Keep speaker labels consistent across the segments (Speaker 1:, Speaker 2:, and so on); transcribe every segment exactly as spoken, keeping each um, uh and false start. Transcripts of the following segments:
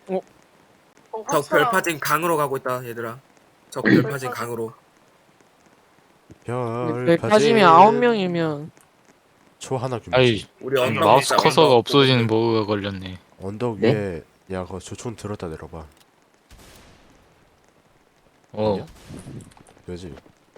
Speaker 1: 어?
Speaker 2: 적 별파진 강으로 가고 있다 얘들아. 적 별파진 강으로.
Speaker 1: 별 빠지면 아홉 명이면
Speaker 3: 초 하나 규모지.
Speaker 4: 아이
Speaker 2: 우리
Speaker 4: 음,
Speaker 2: 언덕
Speaker 4: 마우스
Speaker 2: 먹자,
Speaker 4: 커서가
Speaker 2: 언덕.
Speaker 4: 없어지는 버그가 걸렸네.
Speaker 3: 언덕
Speaker 5: 네?
Speaker 3: 위에 야 그거 조총 들었다 내려봐.
Speaker 4: 어.
Speaker 3: 왜지?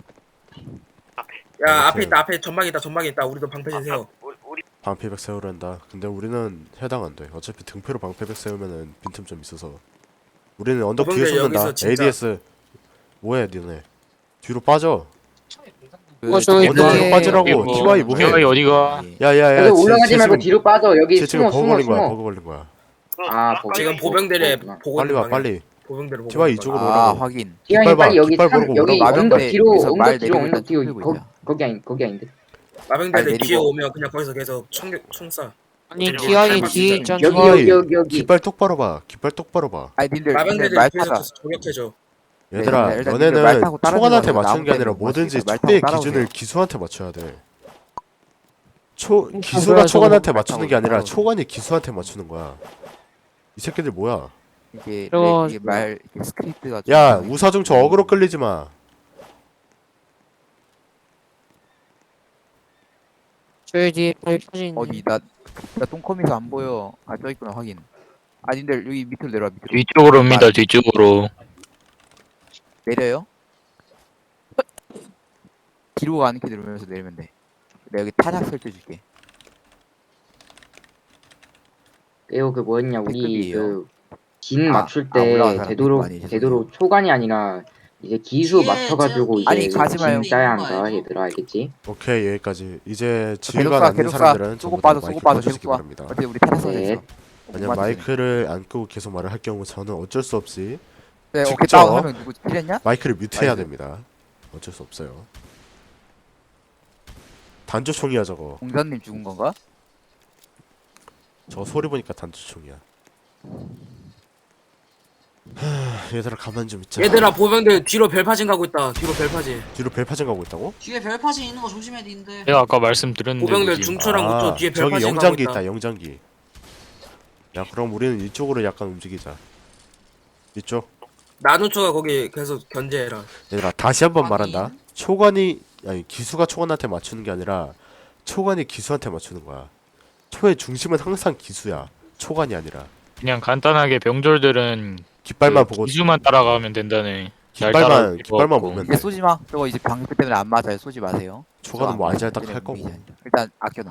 Speaker 2: 야 앞에 있다, 앞에 전방에 있다, 전방에 있다. 우리도 방패진 세워.
Speaker 3: 방패백 세우란다. 근데 우리는 해당 안 돼. 어차피 등패로 방패백 세우면은 빈틈 좀 있어서. 우리는 언덕 뒤에
Speaker 2: 저번에
Speaker 3: 쏟는다.
Speaker 2: 여기서 진짜-
Speaker 3: 에이디에스 뭐해 니네? 뒤로 빠져.
Speaker 1: 어, 저기
Speaker 3: 언덕 뒤로
Speaker 1: 뒤에-
Speaker 3: 빠지라고.
Speaker 4: 뭐,
Speaker 3: 티와이 뭐해?
Speaker 4: 티와이 어디가?
Speaker 3: 야야야.
Speaker 5: 여기 올라가지 말고 뒤로 빠져. 여기
Speaker 3: 쟤 지금
Speaker 5: 숨어
Speaker 3: 버그
Speaker 5: 숨어
Speaker 3: 걸린 거야.
Speaker 5: 숨어.
Speaker 3: 버그 걸린 거야.
Speaker 5: 아 보고.
Speaker 2: 지금 보병들의
Speaker 5: 그렇구나.
Speaker 2: 보고
Speaker 3: 빨리
Speaker 2: 있는
Speaker 3: 와
Speaker 2: 방향.
Speaker 3: 빨리.
Speaker 2: 보병들을 보고
Speaker 3: 티와이
Speaker 2: 있는
Speaker 3: 이쪽으로
Speaker 2: 방향.
Speaker 6: 아
Speaker 3: 오라고.
Speaker 6: 확인.
Speaker 5: 기왕이
Speaker 3: 깃발 봐,
Speaker 5: 빨리 여기
Speaker 3: 깃발
Speaker 5: 산
Speaker 3: 보고
Speaker 5: 여기
Speaker 3: 오라고.
Speaker 5: 언덕
Speaker 6: 마병대
Speaker 5: 뒤로
Speaker 6: 여기서 말
Speaker 5: 언덕 뒤로
Speaker 6: 내리고
Speaker 5: 언덕
Speaker 6: 일단
Speaker 5: 뒤로
Speaker 6: 뚫리고
Speaker 5: 거,
Speaker 6: 있냐.
Speaker 5: 거기 아닌 거기 아닌데.
Speaker 2: 마병대들
Speaker 6: 내리고.
Speaker 2: 뒤에 오면 그냥 거기서 계속 총, 총 쏴.
Speaker 1: 아니
Speaker 2: 그리고
Speaker 1: 기왕이
Speaker 2: 칼만
Speaker 1: 뒤에
Speaker 2: 진짜-
Speaker 1: 있잖아.
Speaker 5: 여기
Speaker 3: 티와이.
Speaker 5: 여기 여기 여기.
Speaker 3: 깃발 똑바로 봐. 깃발 똑바로 봐.
Speaker 6: 아니 님들 님들
Speaker 2: 마병대들
Speaker 6: 말
Speaker 2: 뒤에서
Speaker 6: 타자.
Speaker 2: 계속 저격해줘.
Speaker 3: 얘들아,
Speaker 6: 네, 일단 님들 말
Speaker 3: 너네는
Speaker 6: 타고 따라오세요.
Speaker 3: 초관한테
Speaker 6: 나무
Speaker 3: 맞추는 게 아니라
Speaker 6: 때문에
Speaker 3: 뭐든지
Speaker 6: 말 타고
Speaker 3: 초의
Speaker 6: 따라오세요.
Speaker 3: 기준을 기수한테 맞춰야 돼. 초
Speaker 1: 뭐야,
Speaker 3: 기수가
Speaker 1: 저거.
Speaker 3: 초관한테 맞추는 게 아니라
Speaker 6: 따라오세요.
Speaker 3: 초관이 기수한테 맞추는 거야. 이 새끼들 뭐야?
Speaker 6: 이게
Speaker 1: 저거-
Speaker 6: 이게 말 이게 스크립트가 좀
Speaker 3: 야,
Speaker 6: 이상해.
Speaker 3: 우사중 저 어그로 끌리지 마.
Speaker 1: 저희 뒤에 별 빠진.
Speaker 6: 어디 나나 똥컴에서 안 보여. 아 저 있구나 확인. 아 님들 여기 밑으로 내려와 밑으로.
Speaker 4: 뒤쪽으로 옵니다. 뒤쪽으로.
Speaker 6: 내려요? 뒤로 가는 키 누르면서 내리면 돼. 내가 여기 타작 설정해줄게.
Speaker 5: 이거 그 뭐였냐 우리
Speaker 6: 댓글이에요.
Speaker 5: 그진
Speaker 6: 아,
Speaker 5: 맞출
Speaker 6: 아, 올라간
Speaker 5: 때
Speaker 6: 사람
Speaker 5: 되도록
Speaker 6: 많이 계세요.
Speaker 5: 되도록 초간이 아니라 이제 기수
Speaker 7: 예,
Speaker 5: 맞춰가지고
Speaker 7: 저-
Speaker 5: 이제
Speaker 6: 아니, 가지 마요.
Speaker 5: 진 짜야 한다
Speaker 7: 이거
Speaker 5: 얘들아 알겠지?
Speaker 3: 오케이, 여기까지. 이제
Speaker 6: 계속
Speaker 3: 지휘관
Speaker 6: 쏴
Speaker 3: 아닌
Speaker 6: 계속 쏴.
Speaker 3: 사람들은
Speaker 6: 쏘고
Speaker 3: 전부 다
Speaker 6: 빠져 쏘고
Speaker 3: 마이크
Speaker 6: 빠져
Speaker 3: 꺼주시기
Speaker 6: 계속 쏴.
Speaker 3: 바랍니다.
Speaker 6: 어차피 우리 타작
Speaker 5: 네.
Speaker 6: 설정했어.
Speaker 3: 만약 마이크를 안 끄고 계속 말을 할 경우 저는 어쩔 수 없이
Speaker 6: 네, 오케이
Speaker 3: 직접
Speaker 6: 다운 하면 누구 틀렸냐?
Speaker 3: 마이크를 뮤트해야
Speaker 6: 알겠어요.
Speaker 3: 됩니다. 어쩔 수 없어요. 단조총이야 저거.
Speaker 6: 공자님 죽은 건가?
Speaker 3: 저 소리 보니까 단조총이야. 하, 얘들아 가만 좀 있자.
Speaker 2: 얘들아 보병들 뒤로 별파진 가고 있다. 뒤로 별파진.
Speaker 3: 뒤로 벨파전 가고 있다고?
Speaker 7: 뒤에 별파진 있는 거 조심해야 되는데.
Speaker 4: 내가 아까 말씀드렸는데
Speaker 2: 보병들
Speaker 4: 그지?
Speaker 2: 중초랑 우초 뒤에
Speaker 3: 저기
Speaker 2: 별파진 가고
Speaker 3: 영장기
Speaker 2: 있다.
Speaker 3: 있다. 영장기. 야 그럼 우리는 이쪽으로 약간 움직이자. 이쪽.
Speaker 2: 나누초가 거기 계속 견제해라.
Speaker 3: 얘들아 다시 한번
Speaker 7: 확인.
Speaker 3: 말한다. 초관이 아니 기수가 초관한테 맞추는 게 아니라 초관이 기수한테 맞추는 거야. 초의 중심은 항상 기수야. 초관이 아니라.
Speaker 4: 그냥 간단하게 병졸들은
Speaker 3: 깃발만
Speaker 4: 그
Speaker 3: 보고
Speaker 4: 기수만 따라가면 된다네. 잘
Speaker 3: 깃발만
Speaker 4: 따라올 필요
Speaker 3: 깃발만
Speaker 4: 없고.
Speaker 3: 보면
Speaker 6: 이제
Speaker 3: 돼.
Speaker 6: 쏘지 마. 저거 이제 방패 때문에 안 맞아요. 쏘지 마세요.
Speaker 3: 초관은 뭐 안잘딱 할 거고.
Speaker 6: 무기지 아니라. 일단 아껴놔.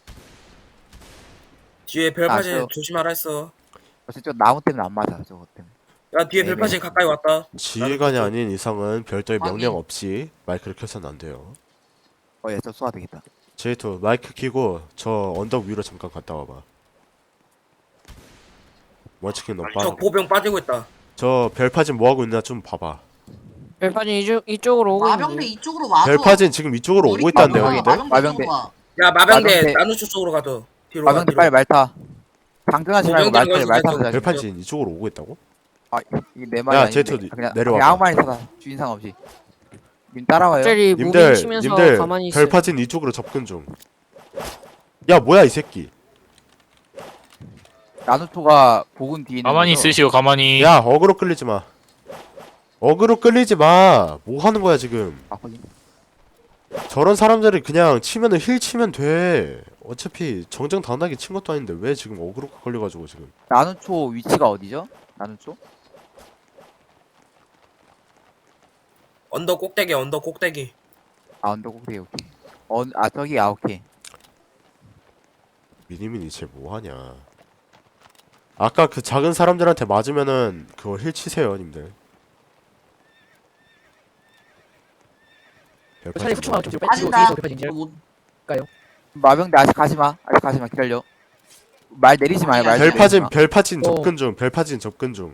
Speaker 2: 뒤에 별파진
Speaker 6: 아, 저-
Speaker 2: 조심하라 했어.
Speaker 6: 어차피 저 나무 때문에 안 맞아. 저거 때문에.
Speaker 2: 야 뒤에
Speaker 6: 네,
Speaker 2: 별파진
Speaker 6: 네.
Speaker 2: 가까이 왔다.
Speaker 3: 지휘관이 아닌 이상은 별도의
Speaker 7: 확인.
Speaker 3: 명령 없이 마이크를 켜서는 안 돼요.
Speaker 6: 어, 예, 저 쏘아 되겠다.
Speaker 3: 제이투 마이크 켜고 저 언덕 위로 잠깐 갔다 와봐. 원치킨 너
Speaker 2: 저
Speaker 3: 빠르게.
Speaker 2: 보병 빠지고 있다.
Speaker 3: 저 별파진 뭐 하고 있나 좀 봐봐.
Speaker 1: 별 빠진 이쪽 이쪽으로 오고
Speaker 7: 마병대
Speaker 1: 있는데.
Speaker 7: 이쪽으로 와줘.
Speaker 3: 별파진 지금 이쪽으로 오고 있다는데
Speaker 6: 마병대.
Speaker 3: 여기들?
Speaker 7: 마병대
Speaker 6: 마병대.
Speaker 7: 이쪽으로 와.
Speaker 2: 야 마병대
Speaker 6: 마병대.
Speaker 2: 나누초 쪽으로 가도. 뒤로 가.
Speaker 6: 마병대
Speaker 2: 뒤로.
Speaker 6: 빨리 말 타. 당근하지 말고 말
Speaker 2: 보병들
Speaker 6: 타. 말
Speaker 2: 거기서
Speaker 6: 타자.
Speaker 3: 별파진 이쪽으로 오고 있다고?
Speaker 6: 아, 이게 내 말이
Speaker 3: 야,
Speaker 6: 아닌데.
Speaker 3: 제트
Speaker 6: 그냥
Speaker 3: 내려와봐.
Speaker 6: 그냥 아무 말이나 타다. 주인상 없이. 님 따라와요.
Speaker 1: 갑자기 무빙
Speaker 3: 님들
Speaker 1: 치면서
Speaker 3: 님들
Speaker 1: 가만히 있어.
Speaker 3: 별파진 이쪽으로 접근 중. 야 뭐야 이 새끼.
Speaker 6: 나누토가 복은 뒤에 있는
Speaker 4: 가만히
Speaker 6: 거죠?
Speaker 4: 있으시오. 가만히.
Speaker 3: 야 어그로 끌리지 마. 어그로 끌리지 마. 뭐 하는 거야 지금?
Speaker 6: 아, 확인.
Speaker 3: 저런 사람들이 그냥 치면은 힐 치면 돼. 어차피 정정당당하게 친 것도 아닌데 왜 지금 어그로가 걸려가지고 지금.
Speaker 6: 나누초 위치가 어디죠? 나누초?
Speaker 2: 언덕 꼭대기 언덕 꼭대기.
Speaker 6: 아, 언덕 오케이 오케이. 어, 아 저기 아 오케이.
Speaker 3: 미니미니 쟤 뭐하냐. 아까 그 작은 사람들한테 맞으면은 그거 힐 치세요 님들.
Speaker 1: 차라리 후추만 좀 뒤로 빼. 뒤로
Speaker 7: 빠진다.
Speaker 1: 뒤로 별파진
Speaker 7: 이거 못.
Speaker 6: 마병대 아직 가지 마. 아직 가지 마. 기다려. 말 내리지 마요. 말 내리지
Speaker 3: 별파진
Speaker 6: 마.
Speaker 3: 별파진
Speaker 1: 어.
Speaker 3: 접근 중. 별파진 접근 중.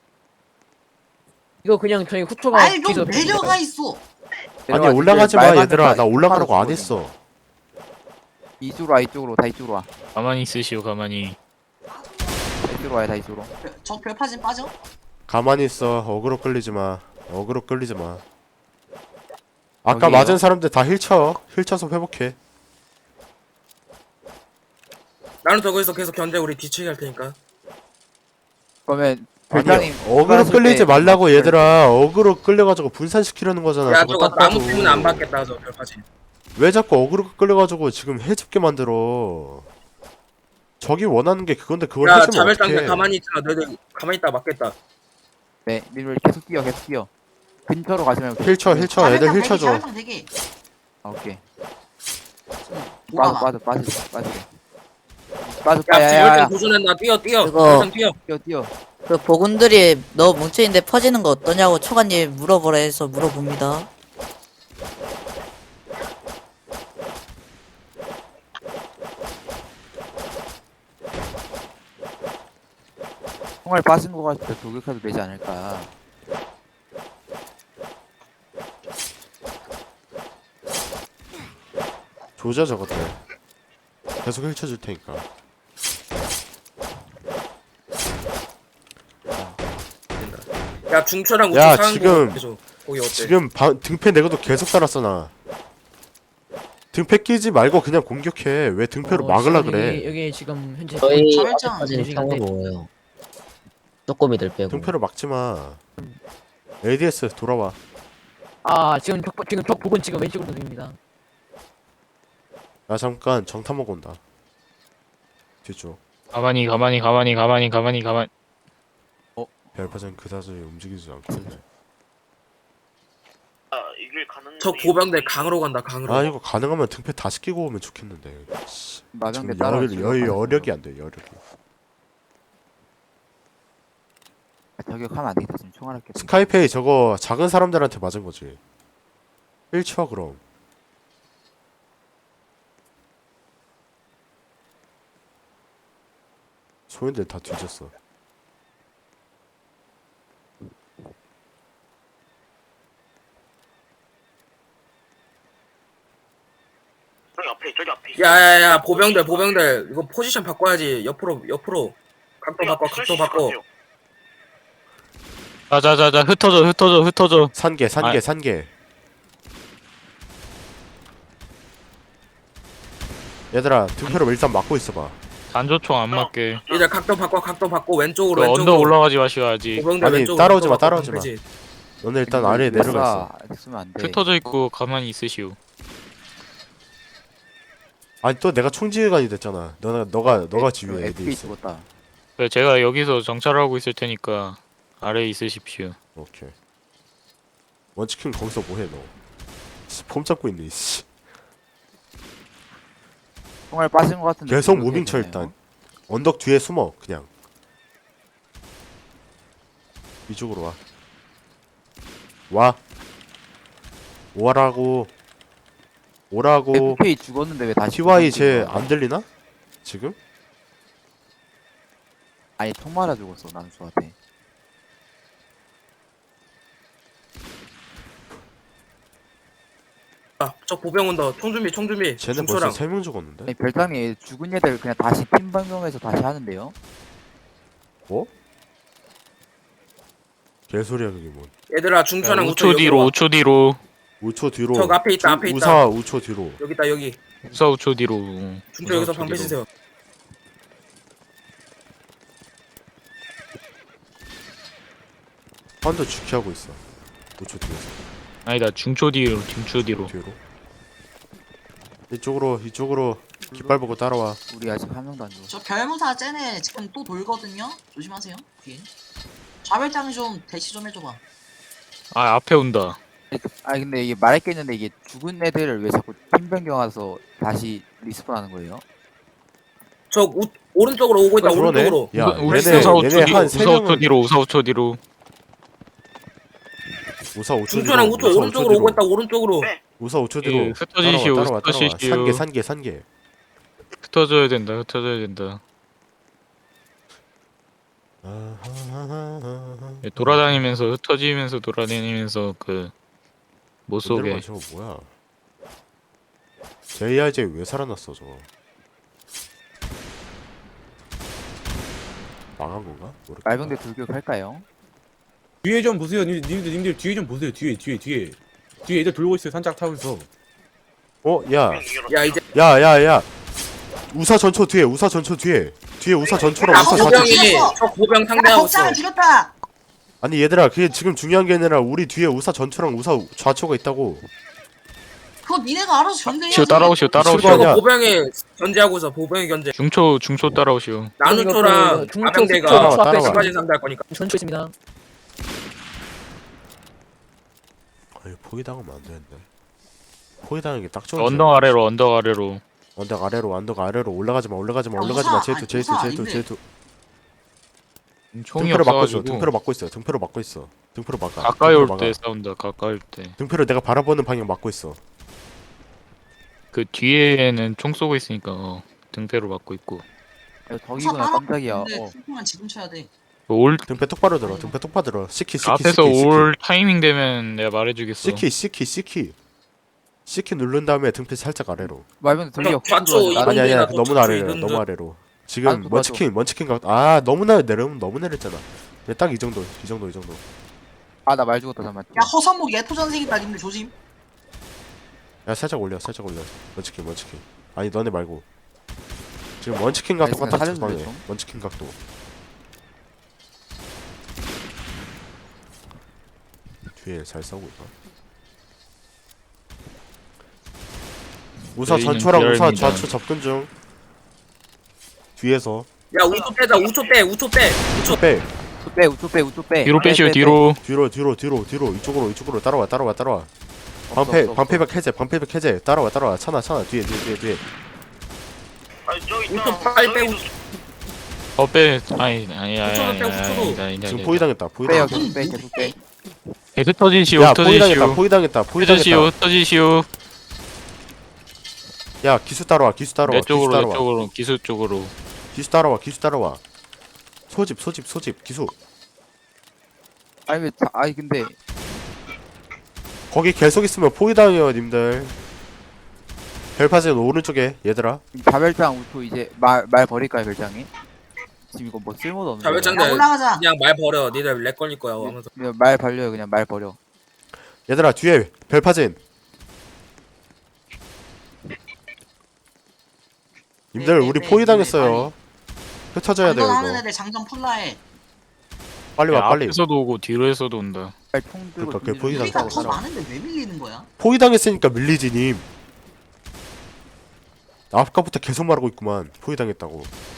Speaker 1: 이거 그냥 저희 후추가
Speaker 7: 아이
Speaker 1: 뒤에서
Speaker 7: 좀 내려가 있어.
Speaker 3: 아니
Speaker 6: 내려와,
Speaker 3: 올라가지
Speaker 6: 말
Speaker 3: 마
Speaker 6: 맞는
Speaker 3: 얘들아.
Speaker 6: 거야.
Speaker 3: 나 올라가라고 안
Speaker 6: 똑바로
Speaker 3: 했어.
Speaker 6: 이쪽으로 와 이쪽으로 다 이쪽으로 와.
Speaker 4: 가만히 있으시오. 가만히.
Speaker 6: 다 이쪽으로 와요 다 이쪽으로.
Speaker 7: 저 별파진 빠져.
Speaker 3: 가만히 있어. 어그로 끌리지 마. 어그로 끌리지 마. 아까
Speaker 6: 저기요?
Speaker 3: 맞은 사람들 다 힐쳐. 힐쳐서 회복해.
Speaker 2: 나누초 거기서 계속 견제 우리 뒤치기 할 테니까.
Speaker 6: 그러면
Speaker 3: 아니
Speaker 6: 별장님
Speaker 3: 어그로
Speaker 6: 그거 하실
Speaker 3: 끌리지
Speaker 6: 때
Speaker 3: 말라고
Speaker 6: 별-
Speaker 3: 얘들아. 어그로 끌려가지고 분산시키려는 거잖아.
Speaker 2: 야
Speaker 3: 저거
Speaker 2: 저거
Speaker 3: 딱
Speaker 2: 나무
Speaker 3: 봐도.
Speaker 2: 때문에 안 받겠다 저 별파진.
Speaker 3: 왜 자꾸 어그로 끌려가지고 지금 해집게 만들어. 저기 원하는 게 그건데 그걸
Speaker 2: 야
Speaker 3: 해주면
Speaker 2: 자멸장대
Speaker 3: 어떡해.
Speaker 2: 가만히 있잖아. 너희들 가만히 있다 맞겠다.
Speaker 6: 네, 님들 계속 뛰어, 계속 뛰어. 근처로 가지 말고.
Speaker 3: 힐쳐 힐쳐 애들
Speaker 7: 자멸장
Speaker 3: 힐쳐
Speaker 7: 대기,
Speaker 3: 줘.
Speaker 7: 자멸장 대기.
Speaker 6: 아, 오케이.
Speaker 7: 뭐가
Speaker 6: 빠져, 빠져, 빠져, 빠져. 빠져,
Speaker 2: 야
Speaker 6: 빠져, 야, 야, 야.
Speaker 2: 자멸장 도전한다. 뛰어 뛰어.
Speaker 8: 그거-
Speaker 2: 자멸장 뛰어.
Speaker 6: 뛰어, 뛰어.
Speaker 8: 그 보군들이 너 뭉쳐있는데 퍼지는 거 어떠냐고 초가님 물어보라 해서 물어봅니다.
Speaker 6: 총알 빠진 거 같을 때 돌격해도 되지 않을까.
Speaker 3: 조져 저것들. 계속 힐쳐 줄 테니까.
Speaker 2: 야 중초랑 우초
Speaker 3: 야,
Speaker 2: 사는
Speaker 3: 지금-
Speaker 2: 거 계속. 거기 어때?
Speaker 3: 지금 방, 등패 내고도 계속 달았어 나. 등패 끼지 말고 그냥 공격해. 왜 등패로
Speaker 1: 어,
Speaker 3: 막으려
Speaker 1: 지금
Speaker 3: 그래.
Speaker 1: 여기, 여기 지금 현재
Speaker 9: 저희
Speaker 7: 자멸장
Speaker 9: 아직까지는
Speaker 1: 대중인데.
Speaker 9: 평으로예요. 쪼꼬미들 빼고.
Speaker 3: 등패로 막지 마. 에이디에스 돌아와.
Speaker 1: 아 지금 적 지금 적 부근 지금 왼쪽으로 들립니다.
Speaker 3: 나 잠깐 정탐 먹고 온다. 뒤쪽.
Speaker 4: 가만히 가만히 가만히 가만히 가만히 가만히.
Speaker 3: 별파전 그다지 움직이지 않길래.
Speaker 2: 저 보병들 강으로 간다 강으로.
Speaker 3: 아 이거 가능하면 등패 다시 끼고 오면 좋겠는데. 씨,
Speaker 6: 마병대
Speaker 3: 지금
Speaker 6: 따라.
Speaker 3: 여, 여, 여력이 안 돼. 여력이.
Speaker 6: 저격하면 안 되겠다. 지금 총알 할게.
Speaker 3: 스카이페이 저거 작은 사람들한테 맞은 거지. 일 쳐 그럼. 소인들 다 뒤졌어.
Speaker 2: 야야야 보병들 보병들 이거 포지션 바꿔야지. 옆으로 옆으로. 각도 바꿔 각도 바꿔.
Speaker 4: 자자자자 흩어져 흩어져 흩어져.
Speaker 3: 산개 산개
Speaker 4: 아.
Speaker 3: 산개. 얘들아 등패로 일단 막고 있어봐.
Speaker 4: 단조총 안 맞게.
Speaker 2: 이제 각도 바꿔 각도 바꿔 왼쪽으로
Speaker 4: 그
Speaker 2: 왼쪽으로.
Speaker 4: 언덕 올라가지 마셔야지.
Speaker 2: 보병들
Speaker 3: 아니,
Speaker 2: 왼쪽으로
Speaker 3: 따라오지 마,
Speaker 2: 왼쪽으로
Speaker 3: 따라오지 마.
Speaker 2: 그지?
Speaker 3: 너네 일단 아래에 내려가 있어.
Speaker 6: 아직 쓰면 안 돼.
Speaker 4: 흩어져 있고 가만히 있으시오.
Speaker 3: 아니 또 내가 총지휘관이 됐잖아. 너가 너가 너가 지휘해.
Speaker 6: 에프피
Speaker 3: 에이디에스.
Speaker 6: 죽었다.
Speaker 4: 그래, 제가 여기서 정찰하고 있을 테니까 아래에 있으십시오.
Speaker 3: 오케이. 원치킨 거기서 뭐해 너? 씨, 폼 잡고 있네. 씨.
Speaker 6: 총알 빠진 거 같은데.
Speaker 3: 계속
Speaker 6: 돌격해야
Speaker 3: 무빙 쳐
Speaker 6: 되나요?
Speaker 3: 일단. 언덕 뒤에 숨어 그냥. 이쪽으로 와. 와. 오라고. 오라고.
Speaker 6: 에프피 죽었는데 왜 다시?
Speaker 3: 티와이
Speaker 6: 죽었지?
Speaker 3: 쟤 안 들리나? 지금?
Speaker 6: 아니 총 맞아 죽었어. 나는 저한테.
Speaker 2: 아, 저 보병 온다. 총 준비 총 준비.
Speaker 3: 쟤네 벌써
Speaker 2: 중초랑.
Speaker 3: 세 명 죽었는데?
Speaker 6: 아니 별장이 죽은 애들 그냥 다시 팀 방송에서 다시 하는데요.
Speaker 3: 개소리야 그게 뭐.
Speaker 2: 얘들아 중초랑
Speaker 4: 오 초 뒤로 오 초 뒤로.
Speaker 3: 오 초 뒤로.
Speaker 2: 저 앞에 있다,
Speaker 3: 주-
Speaker 2: 앞에 있다.
Speaker 3: 우사 오 초 뒤로.
Speaker 2: 여기 있다 여기.
Speaker 4: 우사 오 초 뒤로.
Speaker 2: 중초 여기서 방패 치세요.
Speaker 3: 한도 주키하고 있어. 오 초 뒤에서.
Speaker 4: 아니다 중초 뒤로 중초 뒤로.
Speaker 3: 뒤로. 이쪽으로 이쪽으로 깃발 보고 따라와.
Speaker 6: 우리 아직 한 명도 안 죽었어.
Speaker 7: 저 별무사 쟤네 지금 또 돌거든요. 조심하세요. 뒤에. 좌별장 좀 대시 좀 해줘봐.
Speaker 4: 아 앞에 온다.
Speaker 6: 아 근데 이게 말할 게 있는데 이게 죽은 애들을 왜 자꾸 팀 변경해서 다시 리스폰하는 거예요?
Speaker 2: 저 우, 오른쪽으로 오고 있다.
Speaker 3: 어, 그러네.
Speaker 2: 오른쪽으로.
Speaker 3: 야,
Speaker 4: 우-
Speaker 3: 얘네
Speaker 4: 우사 오 초
Speaker 3: 얘네
Speaker 4: 뒤로
Speaker 3: 한 세
Speaker 4: 우사 오 초
Speaker 3: 명은
Speaker 4: 뒤로 우사 오 초 뒤로.
Speaker 3: 우사 오 초 뒤로.
Speaker 2: 중초랑 우초
Speaker 3: 우사
Speaker 2: 오른쪽으로
Speaker 3: 뒤로.
Speaker 2: 오고 있다. 오른쪽으로.
Speaker 3: 우사 오 초
Speaker 4: 예,
Speaker 3: 뒤로.
Speaker 4: 흩어지시오,
Speaker 3: 따라와 따라와 따라와.
Speaker 4: 흩어지시오.
Speaker 3: 산개 산개 산개.
Speaker 4: 흩어져야 된다 흩어져야 된다.
Speaker 3: 아하하하하.
Speaker 4: 예, 돌아다니면서 흩어지면서 돌아다니면서 그 못 쏘게.
Speaker 3: 저거 뭐야? 제이아이제이 왜 살아났어 저거? 망한 건가? 모르겠다.
Speaker 6: 말병대 돌격할까요?
Speaker 10: 뒤에 좀 보세요. 님- 님들 님들 뒤에 좀 보세요. 뒤에 뒤에 뒤에 뒤에 애들 돌고 있어요. 산짝 타면서.
Speaker 3: 어, 야,
Speaker 2: 야 이제
Speaker 3: 야, 야, 야. 우사 전초 뒤에 우사 전초 뒤에 뒤에 우사 전초랑
Speaker 7: 야,
Speaker 3: 우사
Speaker 7: 허벅지
Speaker 3: 좌초.
Speaker 2: 보병이
Speaker 7: 죽였어.
Speaker 2: 저 보병
Speaker 7: 야
Speaker 2: 상대하고
Speaker 7: 복장을
Speaker 2: 있어.
Speaker 7: 죽였다.
Speaker 3: 아니 얘들아 그게 지금 중요한 게 아니라 우리 뒤에 우사 전초랑 우사 좌초가 있다고.
Speaker 7: 그거 니네가 알아서 견제해야지.
Speaker 4: 시오 따라오시오 따라오시오.
Speaker 3: 실버 아니야.
Speaker 2: 저거 보병이 견제하고 있어. 보병이 견제.
Speaker 4: 중초 중초 따라오시오.
Speaker 2: 나누초랑
Speaker 1: 중초
Speaker 2: 아병대가
Speaker 3: 따라와,
Speaker 1: 숙소 앞에
Speaker 3: 따라와.
Speaker 2: 시까지 상대할 거니까.
Speaker 1: 전초 있습니다.
Speaker 3: 아니 포위당하면 안 되는데. 포위당하는 게 딱 좋은.
Speaker 4: 언덕 아래로 언덕 아래로.
Speaker 3: 언덕 아래로 언덕 아래로 올라가지 마 올라가지 마
Speaker 7: 야,
Speaker 3: 올라가지 마
Speaker 7: 우사,
Speaker 3: 제이투
Speaker 7: 아니,
Speaker 3: 제이투
Speaker 7: 우사
Speaker 3: 제이투
Speaker 7: 아닌데.
Speaker 3: 제이투.
Speaker 4: 총이
Speaker 3: 등표를 막고 있어.
Speaker 4: 없어가지고
Speaker 3: 등표를 막고 있어. 등표를 막고 있어. 등표를 막아.
Speaker 4: 가까이
Speaker 3: 등표를
Speaker 4: 올
Speaker 3: 막아.
Speaker 4: 때 싸운다. 가까이 올 때.
Speaker 3: 등표를 내가 바라보는 방향 막고 있어.
Speaker 4: 그 뒤에는 총 쏘고 있으니까 어, 등패로 막고 있고.
Speaker 6: 야, 덕이구나 깜짝이야. 어.
Speaker 7: 근데 중통만 지금 쳐야 돼.
Speaker 4: 올
Speaker 3: 등표 똑바로 들어. 등표 똑바로 들어. 시키 시키
Speaker 4: 앞에서
Speaker 3: 시키, 시키.
Speaker 4: 올 타이밍 되면 내가 말해주겠어.
Speaker 3: 시키 시키 시키. 시키 누른 다음에 등표 살짝 아래로.
Speaker 6: 말면 들려.
Speaker 2: 좌초 이동-
Speaker 3: 아니 아니야
Speaker 2: 이동대나
Speaker 3: 너무 아래로
Speaker 2: 이동대.
Speaker 3: 너무 아래로. 지금
Speaker 6: 아, 맞아.
Speaker 3: 먼치킨 먼치킨 각. 아 너무나 내려면 너무 내렸잖아. 딱 이 정도 이 정도 이 정도.
Speaker 6: 아나 말 죽었다 잠만.
Speaker 7: 야 허선목 예토전생이다 님들 조심.
Speaker 3: 야 살짝 올려 살짝 올려. 먼치킨 먼치킨. 아니 너네 말고. 지금 먼치킨 각도
Speaker 6: 알겠어,
Speaker 3: 똑같아
Speaker 6: 살려줄래,
Speaker 3: 주방에.
Speaker 6: 좀?
Speaker 3: 먼치킨 각도. 뒤에 잘 싸우고 있다. 우사
Speaker 4: 저희는
Speaker 3: 전초랑 우사
Speaker 4: 비열입니다.
Speaker 3: 좌초 접근 중. 뒤에서
Speaker 2: 야 우초 빼자. 우초 빼. 우초 빼. 우초.
Speaker 3: 빼.
Speaker 6: 우초 빼 우초 빼 우초 빼.
Speaker 4: 뒤로
Speaker 6: 빼,
Speaker 4: 빼시오
Speaker 6: 빼,
Speaker 4: 뒤로.
Speaker 3: 뒤로 뒤로 뒤로 뒤로 이쪽으로 이쪽으로 따라와 따라와 따라와.
Speaker 6: 없어,
Speaker 3: 방패
Speaker 6: 없어, 없어.
Speaker 3: 방패백 해제 방패백 해제 따라와 따라와 차나 차나 뒤에 뒤에 뒤에 뒤에.
Speaker 2: 우초 빨리 빼. 우초.
Speaker 4: 어 빼. 아니 아니 아니
Speaker 2: 후초도
Speaker 4: 아니
Speaker 2: 빼, 후초도.
Speaker 4: 아니 아니
Speaker 3: 지금
Speaker 4: 아니.
Speaker 3: 포위당했다
Speaker 6: 빼요
Speaker 3: 포위당했다.
Speaker 6: 계속 빼 계속 빼.
Speaker 4: 계속 터지시오
Speaker 3: 야 포위당했다
Speaker 4: 터지시오.
Speaker 3: 포위당했다
Speaker 4: 터지시오
Speaker 3: 포위당했다.
Speaker 4: 터지시오.
Speaker 3: 야 기수 따라와 기수 따라와
Speaker 4: 내
Speaker 3: 기수
Speaker 4: 쪽으로 내
Speaker 3: 따라와
Speaker 4: 쪽으로 기수 쪽으로.
Speaker 3: 기수 따라와 기수 따라와. 소집 소집 소집 기수.
Speaker 6: 아니 왜 자, 아니 근데
Speaker 3: 거기 계속 있으면 포위당해요 님들. 별파진 오른쪽에 얘들아.
Speaker 6: 자별장 우초 이제 말 말 버릴까요 별장이? 지금 이거 뭐 쓸모도 없는.
Speaker 2: 자별장
Speaker 7: 야 올라가자.
Speaker 2: 그냥 말 버려. 니들 렉 걸릴 거야. 하면서.
Speaker 6: 그냥 말 벌려요 그냥 말 버려.
Speaker 3: 얘들아 뒤에 별파진. 님들
Speaker 7: 네,
Speaker 3: 우리
Speaker 7: 네,
Speaker 3: 포위당했어요. 흩어져야 돼요
Speaker 7: 장전하는
Speaker 3: 이거.
Speaker 7: 애들 장전 풀라해.
Speaker 3: 빨리
Speaker 4: 야,
Speaker 3: 와 빨리.
Speaker 4: 앞에서도 오고 뒤로에서도 온다.
Speaker 6: 총 들고
Speaker 3: 그러니까 그게
Speaker 6: 돌리는
Speaker 3: 포위당
Speaker 7: 우리가
Speaker 6: 거
Speaker 7: 더
Speaker 6: 따라와.
Speaker 7: 많은데 왜 밀리는 거야?
Speaker 3: 포위당했으니까 밀리지 님. 아까부터 계속 말하고 있구만. 포위당했다고.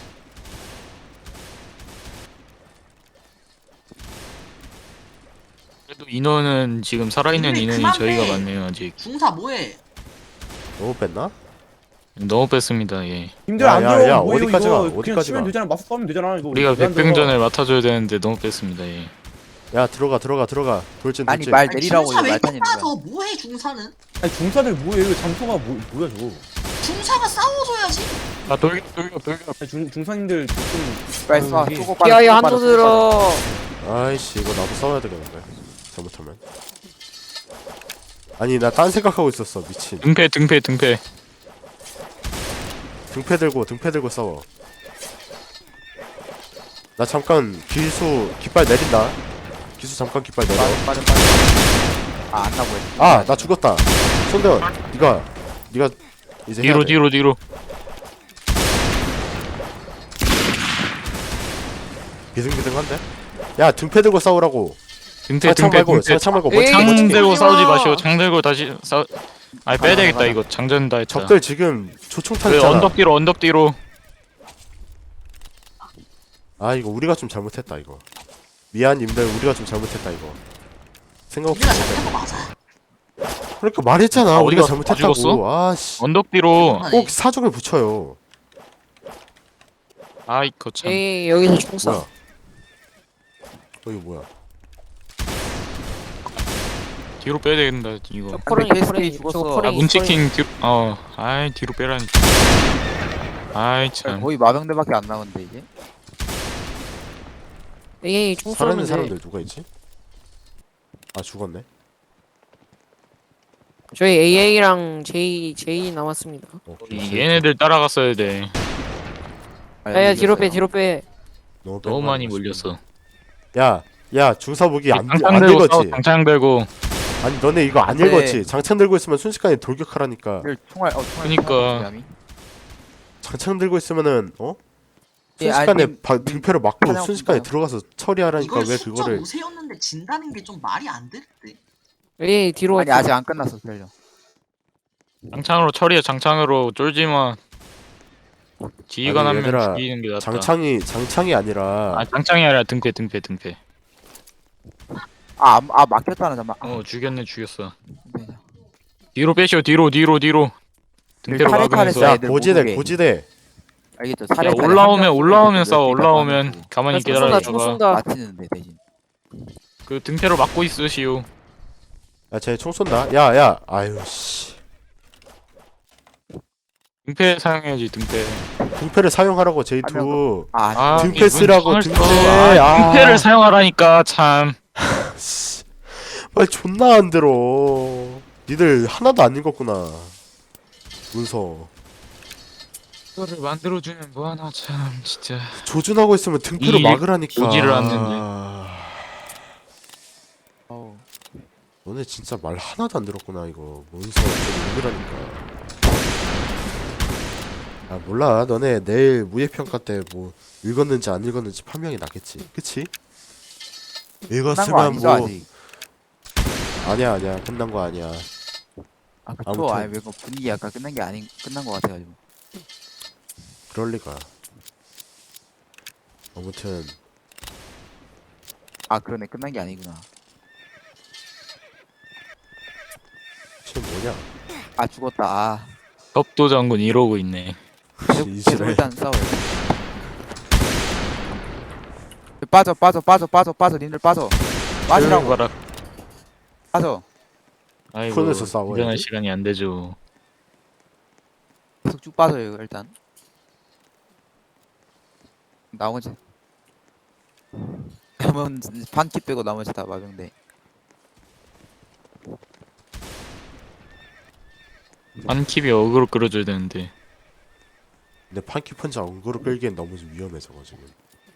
Speaker 4: 그래도 인원은 지금 살아있는
Speaker 7: 근데
Speaker 4: 인원이
Speaker 7: 그만
Speaker 4: 저희가
Speaker 7: 빼.
Speaker 4: 많네요 아직.
Speaker 7: 중사 뭐해?
Speaker 3: 너무 뺐나?
Speaker 4: 너무 뺐습니다 예.
Speaker 10: 님들
Speaker 3: 야,
Speaker 10: 안
Speaker 3: 야,
Speaker 10: 들어.
Speaker 3: 야,
Speaker 10: 뭐예요,
Speaker 3: 어디까지
Speaker 10: 이거.
Speaker 3: 가?
Speaker 10: 그냥
Speaker 3: 어디까지
Speaker 10: 치면
Speaker 3: 가?
Speaker 10: 되잖아. 맞서 싸우면 되잖아. 이거.
Speaker 4: 우리가
Speaker 10: 왜안 들어가?
Speaker 4: 백병전을 맡아줘야 되는데 너무 뺐습니다 예.
Speaker 3: 야 들어가 들어가 들어가. 돌진
Speaker 6: 아니
Speaker 3: 돌진.
Speaker 6: 말
Speaker 7: 아니,
Speaker 6: 내리라고
Speaker 7: 중사
Speaker 6: 이거
Speaker 7: 왜
Speaker 6: 말 타는
Speaker 7: 똑바로
Speaker 6: 거야.
Speaker 7: 더 뭐해 중사는?
Speaker 10: 아니 중사들 뭐예요? 이거 잠수가 뭐, 뭐야 저거?
Speaker 7: 중사가 싸워줘야지.
Speaker 4: 아 돌격 돌격 돌격.
Speaker 10: 아니, 중 중사님들 좀
Speaker 6: 빨리 쏴
Speaker 10: 여기.
Speaker 6: 쏘고 빨리
Speaker 1: 기아야
Speaker 6: 쏘고
Speaker 1: 한도
Speaker 6: 빨리 쏘고
Speaker 1: 들어.
Speaker 3: 아이씨 이거 나도 싸워야 되겠는데. 잘못하면. 아니 나 딴 생각하고 있었어 미친.
Speaker 4: 등패 등패 등패.
Speaker 3: 등패 들고 등패 들고 싸워. 나 잠깐 기수 깃발 내린다. 기수 잠깐 깃발 내려.
Speaker 6: 빠져 빠져 빠져. 아안 나고 했어.
Speaker 3: 아 나 죽었다. 손대원 니가 니가 이제 해야
Speaker 4: 뒤로
Speaker 3: 돼.
Speaker 4: 뒤로 뒤로.
Speaker 3: 비등비등한데? 야 등패 들고 싸우라고.
Speaker 4: 등패
Speaker 3: 창
Speaker 4: 등패
Speaker 3: 말고
Speaker 4: 등패.
Speaker 3: 창 말고
Speaker 1: 에이,
Speaker 3: 멋지게
Speaker 4: 장
Speaker 3: 멋지게.
Speaker 4: 들고
Speaker 1: 멋지게.
Speaker 4: 싸우지 마시오. 장 들고 다시 싸. 아니 빼야
Speaker 6: 가자,
Speaker 4: 되겠다
Speaker 6: 가자.
Speaker 4: 이거 장전 다 했다.
Speaker 3: 적들 지금 조총탄
Speaker 4: 왜
Speaker 3: 있잖아.
Speaker 4: 언덕 뒤로 언덕 뒤로.
Speaker 3: 아 이거 우리가 좀 잘못했다 이거. 미안 님들 우리가 좀 잘못했다 이거. 생각 없이
Speaker 7: 우리가
Speaker 3: 잘못했다.
Speaker 7: 잘못한 거 맞아.
Speaker 3: 그러니까 말했잖아
Speaker 4: 아,
Speaker 3: 우리가
Speaker 4: 어디가
Speaker 3: 잘못했다고.
Speaker 4: 죽었어?
Speaker 3: 아씨
Speaker 4: 언덕 뒤로.
Speaker 3: 꼭 사족을 붙여요.
Speaker 4: 아이 거참.
Speaker 1: 에이 여기서 총사.
Speaker 3: 뭐야? 어 이거 뭐야?
Speaker 4: 뒤로 빼야 된다 이거.
Speaker 1: 코로니
Speaker 6: 케이스
Speaker 1: 코로니
Speaker 6: 죽었어.
Speaker 1: 저거
Speaker 4: 아
Speaker 1: 코로니.
Speaker 4: 문치킹 뒤로. 어. 아이 뒤로 빼라니. 아이 참.
Speaker 6: 거의 마병대밖에 안 남았는데 이제.
Speaker 1: 에이 총
Speaker 3: 살아있는
Speaker 1: 쏘는데.
Speaker 3: 사람들 누가 있지? 아 죽었네.
Speaker 1: 저희 에이에이랑 제이 제이 남았습니다.
Speaker 3: 어,
Speaker 4: 이 얘네들 따라갔어야 돼.
Speaker 1: 야야 뒤로 빼 뒤로 빼.
Speaker 3: 너무,
Speaker 4: 너무
Speaker 3: 뺀거
Speaker 4: 많이
Speaker 3: 아니야,
Speaker 4: 몰렸어.
Speaker 3: 야, 야 중사 무기 안,
Speaker 4: 장창
Speaker 3: 안
Speaker 4: 들고 싸워.
Speaker 3: 읽었지?
Speaker 4: 장창 들고.
Speaker 3: 아니 너네 이거 안
Speaker 6: 네.
Speaker 3: 읽었지? 장창 들고 있으면 순식간에 돌격하라니까.
Speaker 6: 총알 어 총알.
Speaker 4: 그니까.
Speaker 6: 총알 감이.
Speaker 3: 장창 들고 있으면은 어?
Speaker 6: 예,
Speaker 3: 순식간에
Speaker 6: 아니,
Speaker 3: 바, 등패로 막고
Speaker 6: 사냥
Speaker 3: 순식간에
Speaker 6: 없나요?
Speaker 3: 들어가서 처리하라니까
Speaker 7: 이걸
Speaker 3: 왜
Speaker 7: 숫자
Speaker 3: 그거를
Speaker 7: 오세였는데 진다는 게 좀 말이 안 될 때.
Speaker 1: 왜 뒤로
Speaker 6: 아니 아직 안 끝났어 기다려.
Speaker 4: 장창으로 처리해. 장창으로 쫄지마. 지휘관
Speaker 3: 아니,
Speaker 4: 한 명
Speaker 3: 얘들아,
Speaker 4: 죽이는 게 낫다.
Speaker 3: 장창이 장창이 아니라
Speaker 4: 아 장창이 아니라 등패 등패 등패.
Speaker 6: 아, 아 막혔다는 잠만. 아,
Speaker 4: 어 죽였네 죽였어.
Speaker 6: 네.
Speaker 4: 뒤로 빼시오 뒤로 뒤로 뒤로. 등패로
Speaker 6: 칼에 칼에
Speaker 4: 막으면서.
Speaker 6: 쏴.
Speaker 3: 야
Speaker 6: 애들 못
Speaker 3: 고지대
Speaker 6: 오게.
Speaker 3: 고지대
Speaker 6: 알겠죠?
Speaker 4: 야,
Speaker 6: 사례 사례
Speaker 4: 올라오면
Speaker 6: 한 명
Speaker 4: 올라오면
Speaker 6: 쏘고
Speaker 4: 싸워
Speaker 6: 몇
Speaker 4: 올라오면
Speaker 6: 대가
Speaker 4: 가만히
Speaker 1: 총 쏜다 총
Speaker 4: 기다려다가
Speaker 1: 쏜다.
Speaker 6: 맞히는데 대신.
Speaker 4: 그 등패로 막고 있으시오.
Speaker 3: 야쟤 총 쏜다 야야 아유 씨
Speaker 4: 등패 사용해야지 등패.
Speaker 3: 등패를 사용하라고 제이
Speaker 6: 한
Speaker 3: 투
Speaker 6: 아,
Speaker 4: 아,
Speaker 3: 등패 쓰라고
Speaker 4: 이분
Speaker 3: 등패
Speaker 4: 아,
Speaker 3: 아,
Speaker 4: 등패를 사용하라니까 참.
Speaker 3: 씨. 말 존나 안 들어 니들 하나도 안 읽었구나 문서
Speaker 4: 이거를 만들어주면 뭐하나 참 진짜.
Speaker 3: 조준하고 있으면 등패로
Speaker 4: 이
Speaker 3: 막으라니까
Speaker 4: 오지를 않는데.
Speaker 6: 어우.
Speaker 3: 너네 진짜 말 하나도 안 들었구나 이거 문서 좀 읽으라니까 아 몰라 너네 내일 무예평가 때 뭐 읽었는지 안 읽었는지 판명이 나겠지 그치?
Speaker 6: 끝난 거
Speaker 3: 읽었으면
Speaker 6: 아니죠
Speaker 3: 뭐
Speaker 6: 아직.
Speaker 3: 아니야 아니야 끝난 거 아니야
Speaker 6: 아 그쵸.
Speaker 3: 아무튼.
Speaker 6: 아니 왜그 분위기 약간 끝난 게 아닌 끝난 거 같아가지고.
Speaker 3: 그럴 리가 아무튼
Speaker 6: 아 그러네 끝난 게 아니구나.
Speaker 3: 지금 뭐냐
Speaker 6: 아 죽었다. 아.
Speaker 4: 덥도 장군 이러고 있네.
Speaker 6: 계속, 계속
Speaker 3: 이지랄
Speaker 6: 일단 싸워요. 빠져 빠져 빠져 빠져 빠져 님들 빠져. 빠지라고
Speaker 4: 봐라.
Speaker 6: 빠져.
Speaker 4: 아이고
Speaker 3: 폰에서 싸워야지.
Speaker 4: 운전할 시간이 안 되죠.
Speaker 6: 계속 쭉 빠져요 이거 일단. 나머지 그러면 반키 빼고 나머지 다 마병대.
Speaker 4: 한킵이 어그로 끌어줘야 되는데.
Speaker 3: 근데 판키 펀치 엉거로 끌기엔 너무 좀 위험해서 지금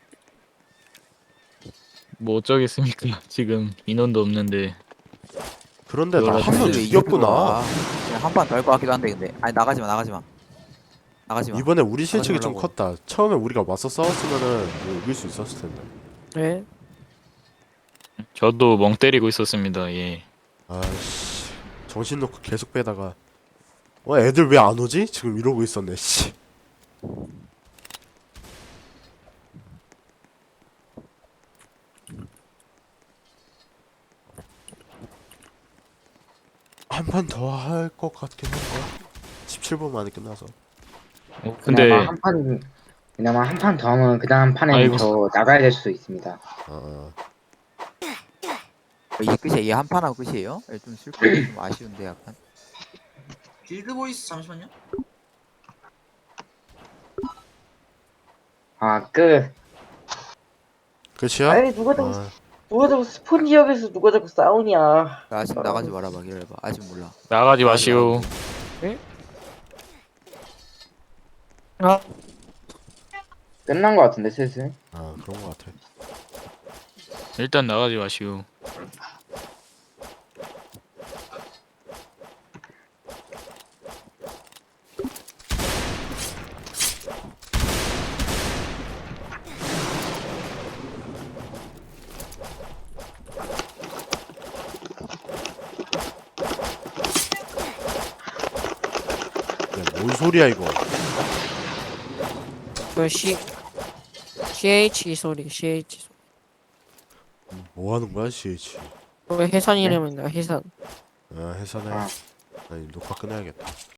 Speaker 4: 뭐 어쩌겠습니까. 지금 인원도 없는데.
Speaker 3: 그런데 나 한 명
Speaker 6: 근데 이게
Speaker 3: 죽였구나
Speaker 6: 그거야. 한판 더 할 것 같기도 한데 근데 아니 나가지마 나가지마 나가지마.
Speaker 3: 이번에 우리 실책이 좀
Speaker 6: 말라고.
Speaker 3: 컸다 처음에 우리가 맞서 싸웠으면은 뭐 이길 수 있었을 텐데
Speaker 1: 네.
Speaker 4: 저도 멍 때리고 있었습니다. 예.
Speaker 3: 아씨 정신 놓고 계속 빼다가 어 애들 왜 안 오지? 지금 이러고 있었네 씨 한 판 더 할 것 같긴 한데 십칠 분 만에 끝나서
Speaker 4: 어, 근데
Speaker 5: 그나마 한 판, 그나마 한 판 더 하면 그 다음 판에는
Speaker 4: 아이고.
Speaker 5: 저 나가야 될 수도 있습니다.
Speaker 3: 어,
Speaker 6: 이게 끝이야. 이게 한 판 하고 끝이에요? 예, 좀 슬프고 좀 아쉬운데 약간.
Speaker 7: 빌드 보이스 잠시만요.
Speaker 5: 아, 끝.
Speaker 3: 끝이야?
Speaker 11: 아니 누가 자꾸
Speaker 3: 아,
Speaker 11: 누가 자꾸 스폰 지역에서 누가 자꾸 싸우냐.
Speaker 6: 나 아직 나가지 말아봐 기다려봐. 아직 몰라.
Speaker 4: 나가지 마시오.
Speaker 5: 끝난 것 같은데, 슬슬.
Speaker 3: 아 그런 것 같아
Speaker 4: 일단 나가지 마시오.
Speaker 3: 야뭔 소리야 이거
Speaker 1: 그 C CH 소리 CH 소리.
Speaker 3: 뭐 하는 거야 씨에이치
Speaker 1: 그 해산 이름입니다. 해산.
Speaker 3: 아 해산해
Speaker 5: 아.
Speaker 3: 아니 녹화 끊어야겠다